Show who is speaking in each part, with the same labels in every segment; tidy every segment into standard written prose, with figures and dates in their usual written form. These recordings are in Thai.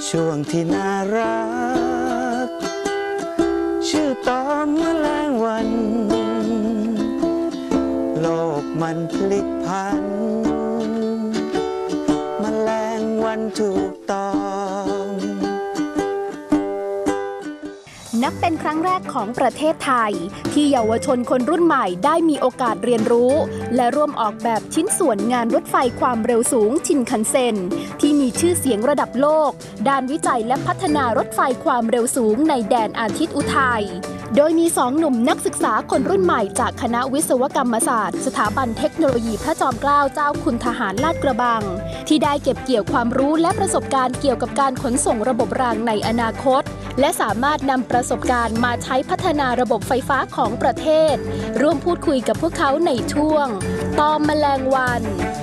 Speaker 1: ช่วงที่น่ารักชื่อตอมแมลงวันโลกมันพลิกผันแมลงวันถูกต้อง
Speaker 2: นับเป็นครั้งแรกของประเทศไทยที่เยาวชนคนรุ่นใหม่ได้มีโอกาสเรียนรู้และร่วมออกแบบชิ้นส่วนงานรถไฟความเร็วสูงชินคันเซ็นที่มีชื่อเสียงระดับโลกด้านวิจัยและพัฒนารถไฟความเร็วสูงในแดนอาทิตย์อุทัยโดยมี2 หนุ่มนักศึกษาคนรุ่นใหม่จากคณะวิศวกรรมศาสตร์สถาบันเทคโนโลยีพระจอมเกล้าเจ้าคุณทหารลาดกระบังที่ได้เก็บเกี่ยวความรู้และประสบการณ์เกี่ยวกับการขนส่งระบบรางในอนาคตและสามารถนำประสบการณ์มาใช้พัฒนาระบบไฟฟ้าของประเทศร่วมพูดคุยกับพวกเขาในช่วงตอมแมลงวัน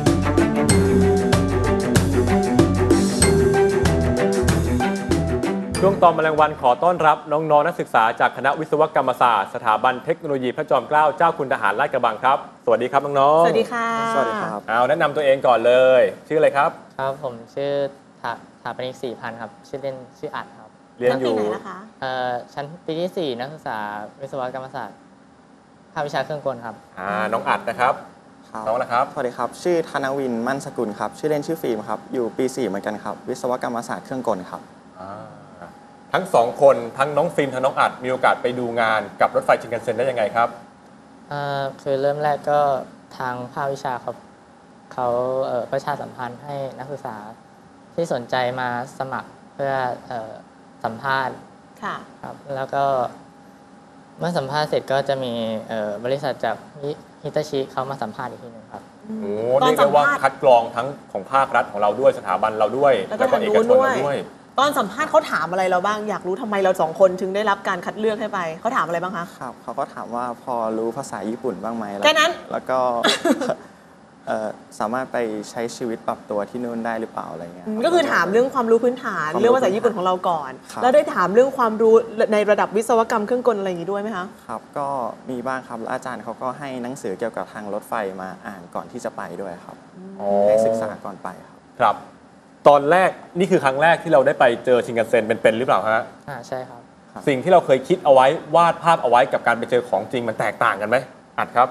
Speaker 3: ช่วงตอมแมลงวันขอต้อนรับน้องๆนักศึกษาจากคณะวิศวกรรมศาสตร์สถาบันเทคโนโลยีพระจอมเกล้าเจ้าคุณทหารลาดกระบังครับสวัสดีครับน้องๆ
Speaker 4: สวัสดีค่ะ
Speaker 1: สวัสดีครับ
Speaker 3: เอาแนะนำตัวเองก่อนเลยชื่ออะไรครับ
Speaker 5: ครับผมชื่อถาปนิก 4,000 ครับชื่อเล่นชื่ออัดครับ
Speaker 3: เรียนอยู่
Speaker 5: ชั้นปีที่ 4นักศึกษาวิศวกรรมศาสตร์ภาควิชาเครื่องกลครับ
Speaker 3: น้องอัดนะครับน้องนะครับ
Speaker 6: สวัสดีครับชื่อธนวินมั่นสกุลครับชื่อเล่นชื่อฟิล์มครับอยู่ปี 4เหมือนกันครับวิศวกรรมศาสตร์เครื่องกลครับ
Speaker 3: ทั้ง2คนทั้งน้องฟิล์มทั้งน้องอัดมีโอกาสไปดูงานกับรถไฟชินคันเซ็นได้ยังไงครับ
Speaker 5: คือเริ่มแรกก็ทางภาควิชาครับเขาประชาสัมพันธ์ให้นักศึกษาที่สนใจมาสมัครเพื่อสัมภาษณ์ครับแล้วก็เมื่อสัมภาษณ์เสร็จก็จะมีบริษัทจากฮิตาชิเขามาสัมภาษณ์อีกทีนึงครับ
Speaker 3: โอ้เรียกได้ว่าคัดกรองทั้งของภาครัฐของเราด้วยสถาบันเราด้วยแล้วก็เอกชนเราด้วย
Speaker 4: ตอนสัมภาษณ์เขาถามอะไรเราบ้างอยากรู้ทำไมเรา2 คนถึงได้รับการคัดเลือกให้ไปเขาถามอะไรบ้างคะ
Speaker 6: ครับเขาก็ถามว่าพอรู้ภาษาญี่ปุ่นบ้างไหม
Speaker 4: แค่นั้น
Speaker 6: แล้วก็สามารถไปใช้ชีวิตปรับตัวที่นู่นได้หรือเปล่าอะไรเงี้ย
Speaker 4: ก็คือถามเรื่องความรู้พื้นฐานเรื่องภาษาญี่ปุ่นของเราก่อนแล้วได้ถามเรื่องความรู้ในระดับวิศวกรรมเครื่องกลอะไรอย่างนี้ด้วยไหมคะ
Speaker 6: ครับก็มีบ้างครับอาจารย์เขาก็ให้หนังสือเกี่ยวกับทางรถไฟมาอ่านก่อนที่จะไปด้วยครับให้ศึกษาก่อนไป
Speaker 3: ครับตอนแรกนี่คือครั้งแรกที่เราได้ไปเจอชินคันเซ็นเป็นหรือเปล่าฮะ
Speaker 5: ใช่ครับ
Speaker 3: สิ่งที่เราเคยคิดเอาไว้วาดภาพเอาไว้กับการไปเจอของจริงมันแตกต่างกันไหมอัดครับ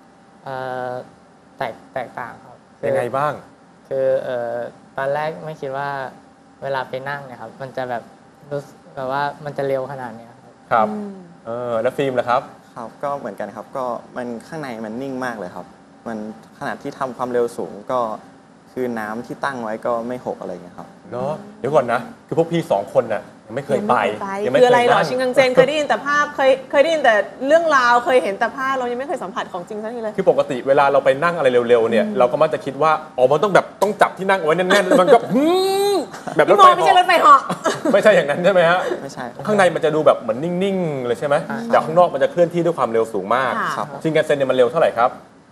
Speaker 5: แตกต่างครับ
Speaker 3: ยังไงบ้าง
Speaker 5: คือตอนแรกไม่คิดว่าเวลาไปนั่งเนี่ยครับมันจะแบบรู้แบบว่ามันจะเร็วขนาดนี้
Speaker 3: ครับแล้วฟิล์มล่ะครับ
Speaker 6: ครับก็เหมือนกันครับก็มันข้างในมันนิ่งมากเลยครับมันขนาดที่ทำความเร็วสูงก็คือน้ำที่ตั้งไว้ก็ไม่หกอะไรเงี้ยครับ
Speaker 3: เนาะเดี๋ยวก่อนนะคือพวกพี่2 คนน่ะยังไม่เคยไป
Speaker 4: คืออะไรหรอชินคันเซ็นเคยได้ยินแต่ภาพเคยได้ยินแต่เรื่องราวเคยเห็นแต่ภาพเรายังไม่เคยสัมผัสของจริงสักทีเลย
Speaker 3: คือปกติเวลาเราไปนั่งอะไรเร็วๆเนี่ยเราก็มักจะคิดว่ามันต้องแบบต้องจับที่นั่งเอาไว้แน่นๆแล้วมันก็แบบรถไฟ
Speaker 4: ไม่ใช่รถไฟเหาะ
Speaker 3: ไม่ใช่อย่างนั้นใช่ไหมฮะ
Speaker 6: ไม่ใช่
Speaker 3: ข้างในมันจะดูแบบเหมือนนิ่งๆเลยใช่ไหมแต่ข้างนอกมันจะเคลื่อนที่ด้วยความเร็วสูงมากชินคันเซ็นเนี่ยมันเร็วเท่าไหร่ครับ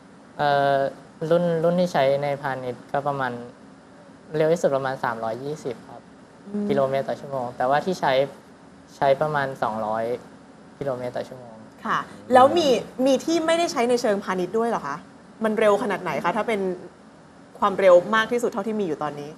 Speaker 5: รุ่นที่ใช้ในพาณิชย์ก็ประมาณเร็วที่สุดประมาณ320ครับกิโลเมตรต่อชั่วโมงแต่ว่าที่ใช้ประมาณ200กิโลเมตรต่อชั่วโมง
Speaker 4: ค่ะแล้วมีที่ไม่ได้ใช้ในเชิงพาณิชย์ด้วยเหรอคะมันเร็วขนาดไหนคะถ้าเป็นความเร็วมากที่สุดเท่าที่มีอยู่ตอนนี้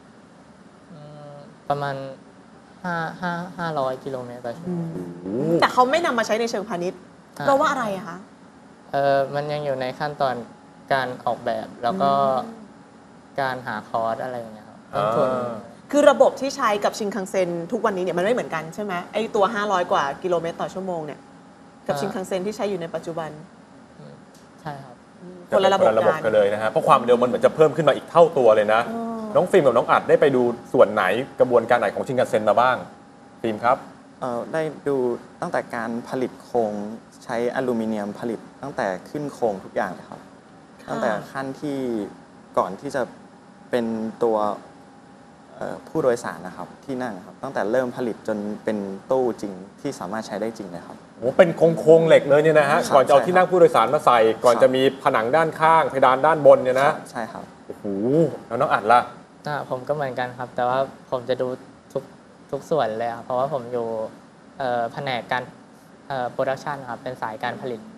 Speaker 5: ประมาณ500กิโลเมตรต่อชั่วโมง
Speaker 4: แต่เขาไม่นำมาใช้ในเชิงพาณิชย์เพราะว่าอะไรอะคะ
Speaker 5: มันยังอยู่ในขั้นตอนการออกแบบแล้วก็การหาคอร์สอะไรอย่างเงี้ยครับ
Speaker 4: คือระบบที่ใช้กับชินคันเซ็นทุกวันนี้เนี่ยมันไม่เหมือนกันใช่ไหมไอตัว500กว่ากิโลเมตรต่อชั่วโมงเนี่ยกับชินคันเซ็นที่ใช้อยู่ในปัจจุบัน
Speaker 5: ใช่ครับ
Speaker 4: คนละระบบ
Speaker 3: กันเลยนะฮะเพราะความเร็วมันเหมือนจะเพิ่มขึ้นมาอีกเท่าตัวเลยนะน้องฟิล์มกับน้องอัดได้ไปดูส่วนไหนกระบวนการไหนของชินคันเซ็นมาบ้างฟิล์มครับ
Speaker 6: ได้ดูตั้งแต่การผลิตโครงใช้อลูมิเนียมผลิตตั้งแต่ขึ้นโครงทุกอย่างเลยครับตั้งแต่ขั้นที่ก่อนที่จะเป็นตัวผู้โดยสารนะครับที่นั่งครับตั้งแต่เริ่มผลิตจนเป็นตู้จริงที่สามารถใช้ได้จริงเลยครับ
Speaker 3: โอ้เป็นโครงเหล็กเลยเนี่ยนะฮะก่อนจะเอาที่นั่งผู้โดยสารมาใส่ก่อนจะมีผนังด้านข้างเพดานด้านบนเนี่ยนะ
Speaker 6: ใช่ครับ
Speaker 3: โอ้โหแล้วน้องอัดล่ะ
Speaker 5: ผมก็เหมือนกันครับแต่ว่าผมจะดูทุกส่วนเลยครับเพราะว่าผมอยู่แผนกการโปรดักชันครับเป็นสายการผลิต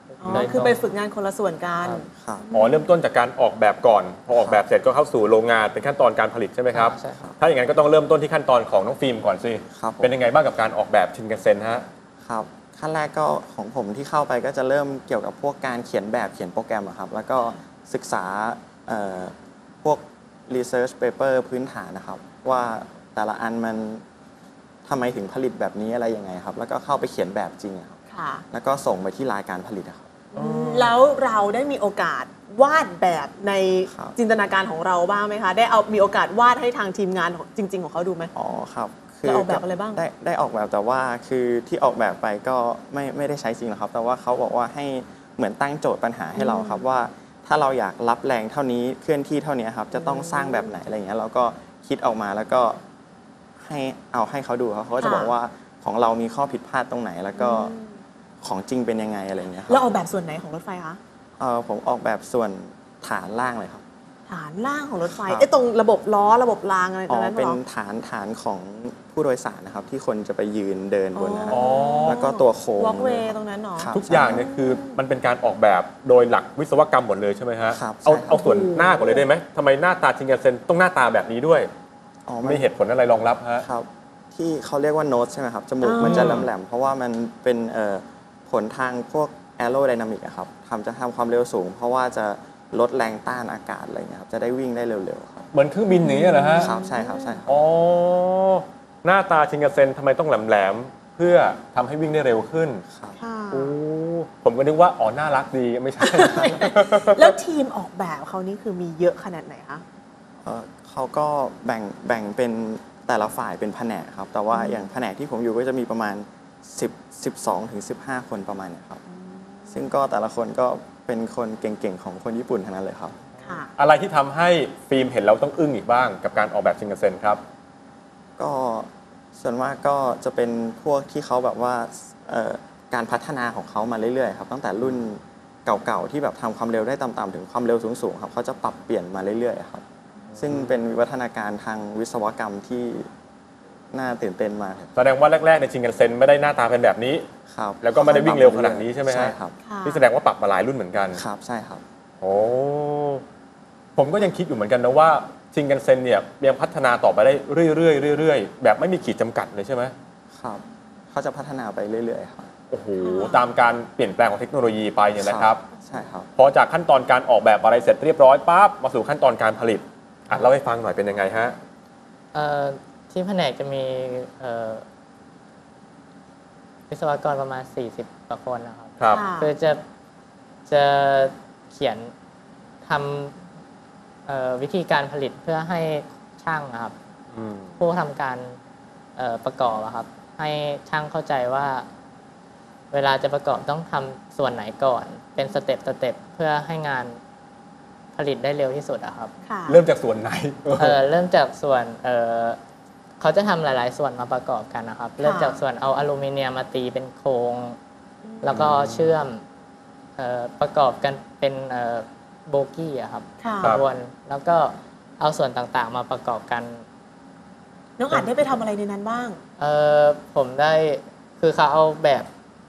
Speaker 4: อ๋อ
Speaker 5: โดยตรง
Speaker 4: คือไปฝึกงานคนละส่วนกัน
Speaker 6: ครับ
Speaker 3: อ๋อเริ่มต้นจากการออกแบบก่อน พอออกแบบเสร็จก็เข้าสู่โรงงานเป็นขั้นตอนการผลิตใช่ไหมครับ
Speaker 5: ใช่ครับ
Speaker 3: ถ้าอย่างนั้นก็ต้องเริ่มต้นที่ขั้นตอนของน้องฟิล์มก่อนสิ
Speaker 6: ครับผม
Speaker 3: เป็นยังไงบ้างกับการออกแบบชินกันเซ็นฮะ
Speaker 6: ครับขั้นแรกก็ของผมที่เข้าไปก็จะเริ่มเกี่ยวกับพวกการเขียนแบบเขียนโปรแกรมอะครับแล้วก็ศึกษาพวก research paper พื้นฐานนะครับว่าแต่ละอันมันทำไมถึงผลิตแบบนี้อะไรยังไงครับแล้วก็เข้าไปเขียนแบบจริงอะครับ
Speaker 4: ค่ะ
Speaker 6: แล้วก็ส่งไปที่รายการผลิตอะครับ
Speaker 4: แล้วเราได้มีโอกาสวาดแบบใน
Speaker 6: ครับ
Speaker 4: จินตนาการของเราบ้างไหมคะ ได้มีโอกาสวาดให้ทางทีมงานของจริง ๆ ของเขาดูไหม
Speaker 6: อ๋อครับ
Speaker 4: แล้วออกแบบอะไรบ้าง
Speaker 6: ได้ออกแบบแต่ว่าคือที่ออกแบบไปก็ไม่ได้ใช้จริงหรอกครับ แต่ว่าเขาบอกว่าให้เหมือนตั้งโจทย์ปัญหาให้เราครับว่าถ้าเราอยากรับแรงเท่านี้เคลื่อนที่เท่านี้ครับจะต้องสร้างแบบไหนอะไรอย่างเงี้ยเราก็คิดออกมาแล้วก็ให้เขาดูครับเขาก็จะบอกว่าของเรามีข้อผิดพลาดตรงไหน แล้วก็ของจริงเป็นยังไงอะไรอย่างเงี้ยค
Speaker 4: แล้ว
Speaker 6: รับ
Speaker 4: ออกแบบส่วนไหนของรถไฟคะ
Speaker 6: ผมออกแบบส่วนฐานล่างเลยครับ
Speaker 4: ฐานล่างของรถไฟ
Speaker 6: ครับ
Speaker 4: ตรงระบบล้อระบบรางอะไรต
Speaker 6: อ๋
Speaker 4: ร
Speaker 6: อง
Speaker 4: นั้น
Speaker 6: เป็น
Speaker 4: เหรอ
Speaker 6: ฐานของผู้โดยสารนะครับ ที่คนจะไปยืนเดินบนนะครับ
Speaker 3: อ๋อ
Speaker 6: แล้วก็ตัวโค้ง
Speaker 4: วอล์กเว
Speaker 6: ล
Speaker 4: ย์
Speaker 6: ยคบ
Speaker 4: ตรงนั้นเหรอ
Speaker 6: ครับ
Speaker 3: ทุกอย่างเนี่ยคือมันเป็นการออกแบบโดยหลักวิศวกรรมหมดเลยใช่ไหมฮะ
Speaker 6: ครับ
Speaker 3: เอา
Speaker 6: ใช่ครับ
Speaker 3: เอาส่วนหน้าก่อนเลยได้ไหมทำไมหน้าตาชินกันเซ็นต้องหน้าตาแบบนี้ด้วย
Speaker 6: อ๋อ
Speaker 3: มีเหตุผลอะไรรองรับฮะ
Speaker 6: ครับที่เขาเรียกว่าโน้ตใช่ไหมครับ จมูก
Speaker 4: อ๋อ
Speaker 6: มันจะแหลมๆเพราะว่ามันเป็นผลทางพวกแอโรไดนามิกครับจะทำความเร็วสูง เพราะว่าจะลดแรงต้านอากาศอะไรเงี้ยครับจะได้วิ่งได้เร็วๆครับ
Speaker 3: เหมือนเครื่องบินอย่างนี้ยเหรอฮะ
Speaker 6: ครับใช่ครับใช่ครับ
Speaker 3: อ๋อ หน้าตาชินกันเซ็นทำไมต้องแหลมๆเพื่อทำให้วิ่งได้เร็วขึ้น
Speaker 6: ครับ
Speaker 4: ค่ะ
Speaker 3: โอ้ผมก็นึกว่าอ๋อน่ารักดีไม่ใช่
Speaker 4: แล้วทีมออกแบบเขานี่คือมีเยอะขนาดไหนคะ
Speaker 6: เขาก็แบ่งเป็นแต่ละฝ่ายเป็นแผนกครับ แต่ว่าอย่างแผนกที่ผมอยู่ก็จะมีประมาณ12 ถึง 15 คนประมาณเนี้ยครับ ซึ่งก็แต่ละคนก็เป็นคนเก่งๆของคนญี่ปุ่นทั้งนั้นเลยครับ
Speaker 4: ค่ะ
Speaker 3: อะไรที่ทำให้ฟิล์มเห็นแล้วต้องอึ้งอีกบ้างกับการออกแบบชินกันเซ็นครับ
Speaker 6: ก็ส่วนมากก็จะเป็นพวกที่เขาแบบว่าการพัฒนาของเขามาเรื่อยๆครับตั้งแต่รุ่นเก่าๆที่แบบทำความเร็วได้ต่ำๆถึงความเร็วสูงๆครับเขาจะปรับเปลี่ยนมาเรื่อยๆครับซึ่งเป็นวิวัฒนาการทางวิศวกรรมที่น่าตื่นเต้นมากครับ
Speaker 3: แสดงว่าแรกๆในชินกันเซ็นไม่ได้หน้าตาเป็นแบบนี้
Speaker 6: ครับ
Speaker 3: แล้วก็ไม่ได้วิ่งเร็วขนาดนี้ใช่ไหมฮะ
Speaker 6: ใช่ครับ
Speaker 4: ค่ะ
Speaker 3: นี่แสดงว่าปรับมาหลายรุ่นเหมือนกัน
Speaker 6: ครับใช่ครับ
Speaker 3: โอ้ผมก็ยังคิดอยู่เหมือนกันนะว่าชินกันเซ็นเนี่ยยังพัฒนาต่อไปได้เรื่อยๆแบบไม่มีขีดจำกัดเลยใช่ไหม
Speaker 6: ครับเขาจะพัฒนาไปเรื่อยๆครับ
Speaker 3: โอ้โหตามการเปลี่ยนแปลงของเทคโนโลยีไปเนี่ยนะครับ
Speaker 6: ใช่ครับ
Speaker 3: พอจากขั้นตอนการออกแบบอะไรเสร็จเรียบร้อยปั๊บมาสู่ขั้นตอนการผลิตอ่ะเล่าให้ฟังหน่อยเป็นยังไงฮะ
Speaker 5: ที่แผนกจะมีวิศวกรประมาณ 40 กว่าคนนะครับ
Speaker 3: ครับ
Speaker 4: ค่ะ
Speaker 5: คือจะเขียนทำวิธีการผลิตเพื่อให้ช่างนะครับ
Speaker 3: อืม
Speaker 5: ผู้ทำการประกอบอะครับ ให้ช่างเข้าใจว่า เวลาจะประกอบต้องทำส่วนไหนก่อน เป็นสเต็ปเพื่อให้งานผลิตได้เร็วที่สุดอะครับ
Speaker 4: ค่ะ
Speaker 3: เริ่มจากส่วนไหน
Speaker 5: เริ่มจากส่วนเขาจะทำหลาย ๆ ส่วนมาประกอบกันนะครับ เริ่มจากส่วนเอาอลูมิเนียมมาตีเป็นโครง แล้วก็เชื่อมประกอบกันเป็นโบกี้อะครับ
Speaker 4: ค่ะ
Speaker 5: ขบวนแล้วก็เอาส่วนต่างๆ มาประกอบกัน
Speaker 4: น้องอัดได้ไปทำอะไรในนั้นบ้าง
Speaker 5: ผมได้คือเขาเอาแบบ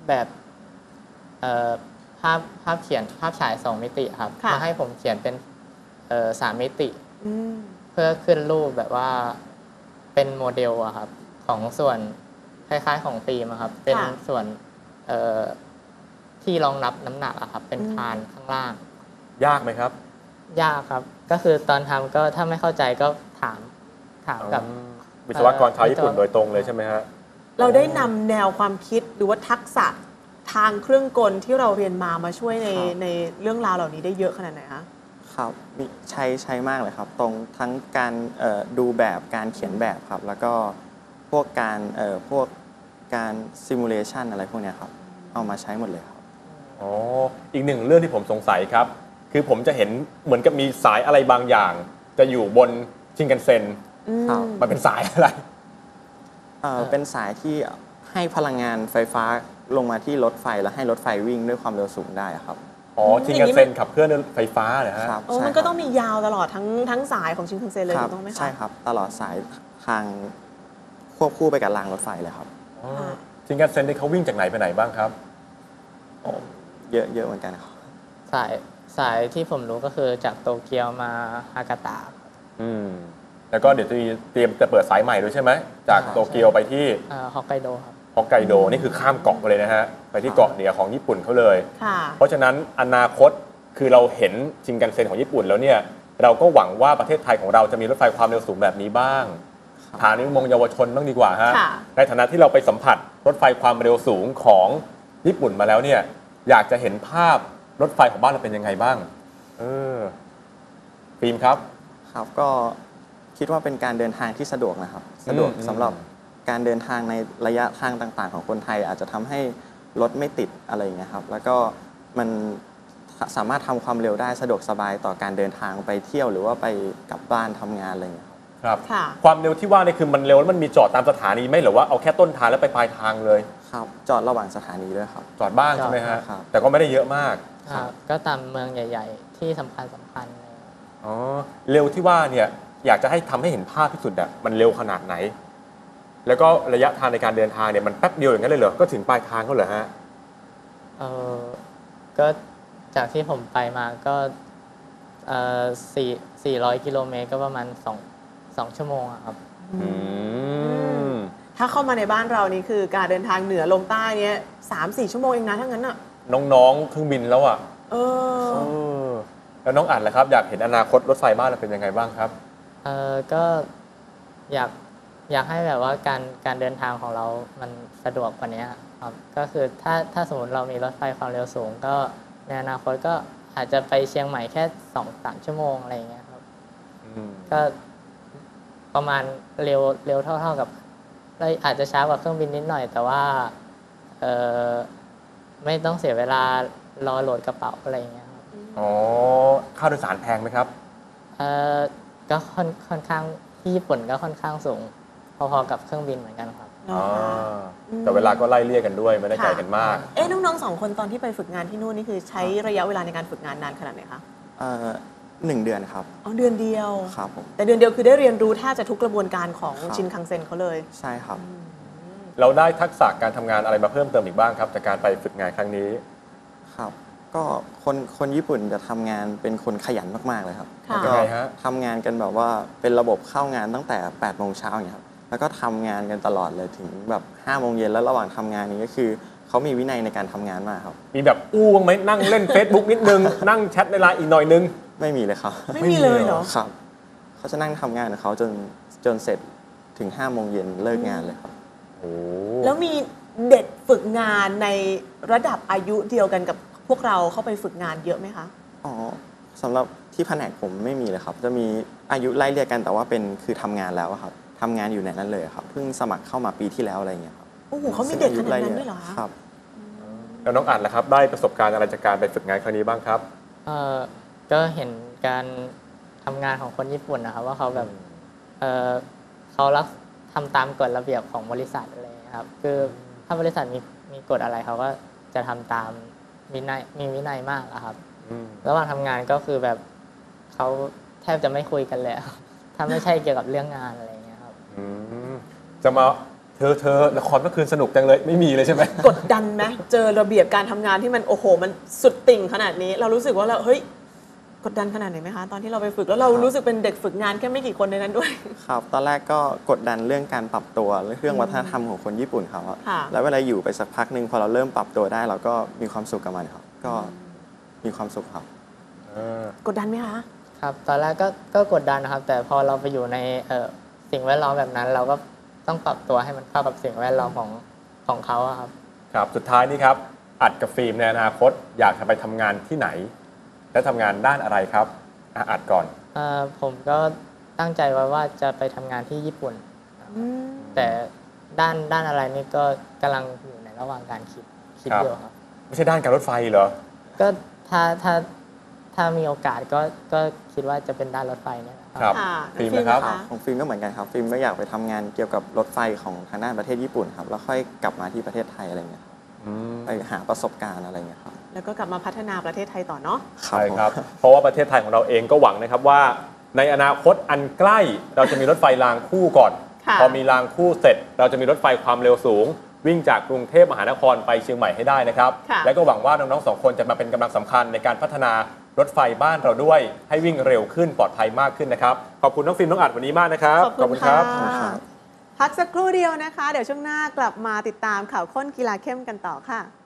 Speaker 5: ภาพเขียนภาพฉาย 2 มิติครับ
Speaker 4: ค่ะ
Speaker 5: มาให้ผมเขียนเป็น3 มิติ
Speaker 4: อืม
Speaker 5: เพื่อขึ้นรูปแบบว่าเป็นโมเดลอะครับ ของส่วนคล้ายๆของฟิล์มอะครับ เป็นส่วนที่รองรับน้ำหนักอะครับ เป็นคานข้างล่าง
Speaker 3: ยากไหมครับ
Speaker 5: ยากครับ ก็คือตอนทำก็ถ้าไม่เข้าใจก็ถามกับ
Speaker 3: วิศวกรชาวญี่ปุ่นโดยตรงเลยใช่ไหมฮะ
Speaker 4: เราได้นำแนวความคิดหรือว่าทักษะทางเครื่องกลที่เราเรียนมาช่วยใน
Speaker 6: ครับ
Speaker 4: ในเรื่องราวเหล่านี้ได้เยอะขนาดไหนคะ
Speaker 6: ครับมีใช้มากเลยครับ ตรงทั้งการดูแบบการเขียนแบบครับ แล้วก็พวกการซิมูเลชันอะไรพวกเนี้ยครับ เอามาใช้หมดเลยครับ
Speaker 3: อ๋อ อีกหนึ่งเรื่องที่ผมสงสัยครับ คือผมจะเห็นเหมือนกับมีสายอะไรบางอย่าง จะอยู่บนชินกันเซ็น
Speaker 6: ครับ
Speaker 3: มันเป็นสายอะไร
Speaker 6: เป็นสายที่ให้พลังงานไฟฟ้าลงมาที่รถไฟแล้วให้รถไฟวิ่งด้วยความเร็วสูงได้ครับ
Speaker 3: อ๋อ ชินกันเซ็นขับเคลื่อนด้วยไฟฟ้าเหรอฮะ
Speaker 6: ครับ
Speaker 4: โอ้
Speaker 6: ใช่
Speaker 4: มันก็
Speaker 6: ครับ
Speaker 4: ต้องมียาวตลอดทั้งสายของชินคันเซ็นเลย
Speaker 6: ครั
Speaker 4: ถูกต้องไหมคะ
Speaker 6: ใช่ครับ ตลอดสายทางควบคู่ไปกับรางรถไฟเลยครับ
Speaker 3: ชินกันเซ็นนี่เขาวิ่งจากไหนไปไหนบ้างครับ
Speaker 6: ยเยอะเหมือนกันครับ
Speaker 5: สายที่ผมรู้ก็คือจากโตเกียวมาฮากาตะครับ
Speaker 3: แล้วก็เดี๋ยวจะเตรียมจะเปิดสายใหม่ด้วยใช่ไหมจากโตเกียวไปที่
Speaker 5: ฮอกไกโดครับ
Speaker 3: ฮอกไกโดนี่คือข้ามเกาะไปเลยนะฮะไปที่เกาะเหนือของญี่ปุ่นเขาเลย
Speaker 4: ค่ะ
Speaker 3: เพราะฉะนั้นอนาคตคือเราเห็นชินคันเซ็นของญี่ปุ่นแล้วเนี่ยเราก็หวังว่าประเทศไทยของเราจะมีรถไฟความเร็วสูงแบบนี้บ้างฐานนิมงเยาวชนบ้างดีกว่าฮะ
Speaker 4: ค่ะ
Speaker 3: ในฐานะที่เราไปสัมผัสรถไฟความเร็วสูงของญี่ปุ่นมาแล้วเนี่ยอยากจะเห็นภาพรถไฟของบ้านเราเป็นยังไงบ้างฟิล์มครับ
Speaker 6: ครับก็คิดว่าเป็นการเดินทางที่สะดวกนะครับสะดวกสำหรับการเดินทางในระยะทางต่างๆของคนไทยอาจจะทำให้รถไม่ติดอะไรอย่างเงี้ยครับแล้วก็มันสามารถทำความเร็วได้สะดวกสบายต่อการเดินทางไปเที่ยวหรือว่าไปกลับบ้านทำงานอะไรอย่างเงี้ยครับ
Speaker 3: ครับความเร็วที่ว่านี่คือมันเร็วแล้วมันมีจอดตามสถานีไหมหรือว่าเอาแค่ต้นทางแล้วไปปลายทางเลย
Speaker 6: ครับจอดระหว่างสถานีด้วยครับ
Speaker 3: จอดบ้างใช่ไหมฮะ
Speaker 6: ครับ
Speaker 3: แต่ก็ไม่ได้เยอะมาก
Speaker 5: ก็ตามเมืองใหญ่ๆที่สำคัญเลย
Speaker 3: อ๋อเร็วที่ว่าเนี่ยอยากจะให้ทำให้เห็นภาพที่สุดอะมันเร็วขนาดไหน แล้วก็ระยะทางในการเดินทางเนี่ยมันแป๊บเดียวอย่างนั้นเลยเหรอก็ถึงปลายทางก็เหรอฮะ
Speaker 5: ก็จากที่ผมไปมาก็400 กิโลเมตรก็ประมาณ2 ชั่วโมงอะครับ
Speaker 4: ถ้าเข้ามาในบ้านเรานี่คือการเดินทางเหนือลงใต้เนี่ย3-4 ชั่วโมงเองนะทั้งนั้นอ่ะ
Speaker 3: น้องๆเครื่องบินแล้วอ่ะ
Speaker 4: เออ
Speaker 3: แล้วน้องอัดล่ะครับอยากเห็นอนาคตรถไฟบ้านเราเป็นยังไงบ้างครับ
Speaker 5: ก็อยากให้แบบว่าการเดินทางของเรามันสะดวกกว่านี้ครับก็คือถ้าสมมติเรามีรถไฟความเร็วสูงก็ในอนาคตก็อาจจะไปเชียงใหม่แค่ 2-3 ชั่วโมงอะไรอย่างเงี้ยครับก็ประมาณเร็วเท่ากับอาจจะช้ากว่าเครื่องบินนิดหน่อย แต่ว่าไม่ต้องเสียเวลารอโหลดกระเป๋าอะไรอย่างเงี้ยครับ
Speaker 3: อ๋อค่าโดยสารแพงไหมครับ
Speaker 5: ก็ค่อนข้างที่ญี่ปุ่นก็ค่อนข้างสูงพอๆกับเครื่องบินเหมือนกันครับ
Speaker 3: แต่เวลาก็ไล่เลี่ยกันด้วยไม่ได้ไกลกันมาก
Speaker 4: น้องๆ2 คนตอนที่ไปฝึกงานที่นู่นนี่คือใช้ระยะเวลาในการฝึกงานนานขนาดไหนคะ
Speaker 6: 1 เดือนครับ
Speaker 4: เดือนเดียว
Speaker 6: ครับผม
Speaker 4: แต่เดือนเดียวคือได้เรียนรู้แทบจะทุกกระบวนการของชินคังเซ็นเขาเลย
Speaker 6: ใช่ครับ
Speaker 3: เราได้ทักษะการทำงานอะไรมาเพิ่มเติมอีกบ้างครับจากการไปฝึกงานครั้งนี้
Speaker 6: ครับก็คนญี่ปุ่นจะทำงานเป็นคนขยันมากๆเลยครับแล้วก็ทำงานกันแบบว่าเป็นระบบเข้างานตั้งแต่8 โมงเช้าอย่างเงี้ยครับแล้วก็ทำงานกันตลอดเลยถึงแบบ5 โมงเย็นแล้วระหว่างทำงานนี้ก็คือเขามีวินัยในการทำงานมากครับ
Speaker 3: มีแบบอู้บ้างไหมนั่งเล่น Facebook นิดนึงนั่งแชทในไลน์อีกหน่อยนึง
Speaker 6: ไม่มีเลยครับ
Speaker 4: ไม่มีเลยเหรอ
Speaker 6: ครับเขาจะนั่งทำงานของเขาจนเสร็จถึง5 โมงเย็นเลิกงานเลยครับ
Speaker 4: แล้วมีเด็กฝึกงานในระดับอายุเดียวกันกับพวกเราเข้าไปฝึกงานเยอะไหมคะ
Speaker 6: สำหรับที่แผนกผมไม่มีเลยครับจะมีอายุไล่เรียกกันแต่ว่าคือทำงานแล้วครับทำงานอยู่ในนั้นเลยครับเพิ่งสมัครเข้ามาปีที่แล้วอะไรอย่างเงี้ยครับ
Speaker 4: โอ้โหเขามีเด็กขนาดนั้นด้วยเหรอ
Speaker 6: ครับ
Speaker 3: แล้วน้องอัดล่ะครับได้ประสบการณ์อะไรจากการไปฝึกงานครั้งนี้บ้างครับ
Speaker 5: ก็เห็นการทำงานของคนญี่ปุ่นนะครับว่าเขาแบบเขาทำตามกฎระเบียบของบริษัทอะไรครับคือถ้าบริษัทมีกฎอะไรเขาก็จะทำตามมีวินัยมากครับระหว่างทำงานก็คือแบบเขาแทบจะไม่คุยกันเลยถ้าไม่ใช่เกี่ยวกับเรื่องงานอะไรอย่างเงี้ยครับ
Speaker 3: จะมาเธอละครเมื่อคืนสนุกจังเลยไม่มีเลยใช่ไหม
Speaker 4: กดดันไหมเจอระเบียบการทำงานที่มันโอ้โหมันสุดติ่งขนาดนี้เรารู้สึกว่าเราเฮ้ยกดดันขนาดไหนไหมคะตอนที่เราไปฝึกแล้วเรารู้สึกเป็นเด็กฝึกงานแค่ไม่กี่คนในนั้นด้วย
Speaker 6: ครับตอนแรกก็กดดันเรื่องการปรับตัวเรื่องวัฒนธรรมของคนญี่ปุ่นเขาแล้วเวลาอยู่ไปสักพักนึงพอเราเริ่มปรับตัวได้เราก็มีความสุขกับมันครับก็มีความสุขครับ
Speaker 4: กดดันไหมคะ
Speaker 5: ครับตอนแรกก็กดดันนะครับแต่พอเราไปอยู่ในสิ่งแวดล้อมแบบนั้นเราก็ต้องปรับตัวให้มันเข้ากับสิ่งแวดล้อมของเขาครับ
Speaker 3: ครับสุดท้ายนี่ครับอัดกับฟิล์มในอนาคตอยากจะไปทำงานที่ไหนและทำงานด้านอะไรครับอัดก่อน
Speaker 5: ผมก็ตั้งใจไว้ว่าจะไปทำงานที่ญี่ปุ่นแต่ด้านอะไรนี่ก็กำลังอยู่ในระหว่างการคิดอยู่ครับ
Speaker 3: ไม่ใช่ด้านการรถไฟเหรอ
Speaker 5: ก็ถ้ามีโอกาสก็คิดว่าจะเป็นด้านรถไฟเนี่ย
Speaker 3: ครับฟิล์มนะครับ
Speaker 6: ของฟิล์มก็เหมือนกันครับฟิล์มก็อยากไปทำงานเกี่ยวกับรถไฟของทางด้านประเทศญี่ปุ่นครับแล้วค่อยกลับมาที่ประเทศไทยอะไรเงี้ยไปหาประสบการณ์อะไรเงี้ยครับ
Speaker 4: แล้วก็กลับมาพัฒนาประเทศไทยต่อเนาะ
Speaker 3: ใช่ครับเพราะว่าประเทศไทยของเราเองก็หวังนะครับว่าในอนาคตอันใกล้เราจะมีรถไฟรางคู่ก่อนพอมีรางคู่เสร็จเราจะมีรถไฟความเร็วสูงวิ่งจากกรุงเทพมหานครไปเชียงใหม่ให้ได้นะครับ
Speaker 4: ค่ะ
Speaker 3: และก็หวังว่าน้องๆ2 คนจะมาเป็นกำลังสำคัญในการพัฒนารถไฟบ้านเราด้วย ให้วิ่งเร็วขึ้นปลอดภัยมากขึ้นนะครับขอบคุณน้องฟิล์มน้องอัดวันนี้มากนะครับ
Speaker 4: ขอบคุณค่ะ
Speaker 6: ขอบคุณครับ
Speaker 4: พักสักครู่เดียวนะคะ เดี๋ยวช่วงหน้ากลับมาติดตามข่าวข้นกีฬาเข้มกันต่อค่ะ